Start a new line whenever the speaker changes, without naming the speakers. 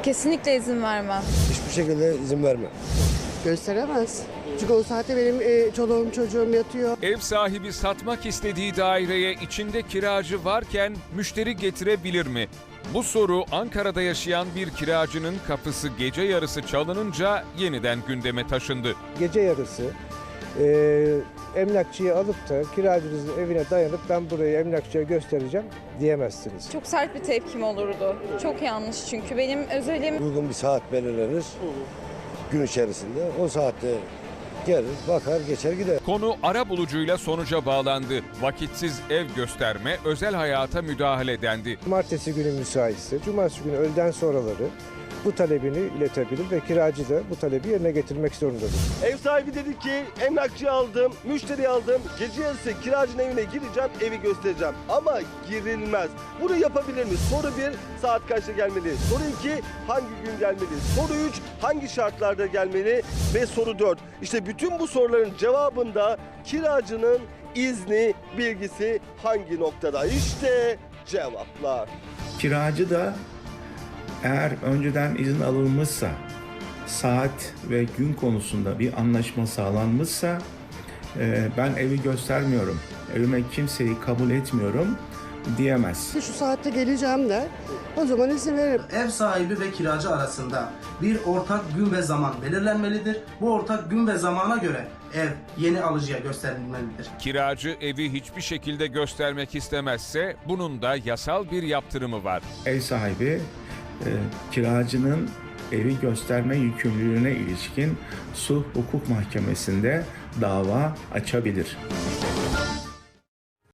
Kesinlikle izin vermem.
Hiçbir şekilde izin vermem.
Gösteremez. Çünkü o saatte benim çoluğum çocuğum yatıyor.
Ev sahibi satmak istediği daireye içinde kiracı varken müşteri getirebilir mi? Bu soru Ankara'da yaşayan bir kiracının kapısı gece yarısı çalınınca yeniden gündeme taşındı.
Gece yarısı emlakçıyı alıp da kiracınızın evine dayanıp ben burayı emlakçıya göstereceğim diyemezsiniz.
Çok sert bir tepkim olurdu. Çok yanlış çünkü benim özelim.
Uygun bir saat belirlenir. Gün içerisinde o saatte gelir, bakar, geçer gider.
Konu arabulucuyla sonuca bağlandı. Vakitsiz ev gösterme, özel hayata müdahale dendi.
Cumartesi günü müsaitse, cumartesi günü öğleden sonraları bu talebini iletebilir ve kiracı da bu talebi yerine getirmek zorundadır.
Ev sahibi dedi ki emlakçıyı aldım, müşteri aldım. Gece yarısı kiracının evine gireceğim, evi göstereceğim. Ama girilmez. Bunu yapabilir mi? Soru 1, saat kaçta gelmeli? Soru 2, hangi gün gelmeli? Soru 3, hangi şartlarda gelmeli? Ve soru 4. İşte bütün bu soruların cevabında kiracının izni, bilgisi hangi noktada? İşte cevaplar.
Kiracı da eğer önceden izin alınmışsa, saat ve gün konusunda bir anlaşma sağlanmışsa ben evi göstermiyorum, evime kimseyi kabul etmiyorum diyemez.
Şu saatte geleceğim der. O zaman izin veririm.
Ev sahibi ve kiracı arasında bir ortak gün ve zaman belirlenmelidir. Bu ortak gün ve zamana göre ev yeni alıcıya gösterilmelidir.
Kiracı evi hiçbir şekilde göstermek istemezse bunun da yasal bir yaptırımı var.
Ev sahibi kiracının evi gösterme yükümlülüğüne ilişkin sulh hukuk mahkemesinde dava açabilir.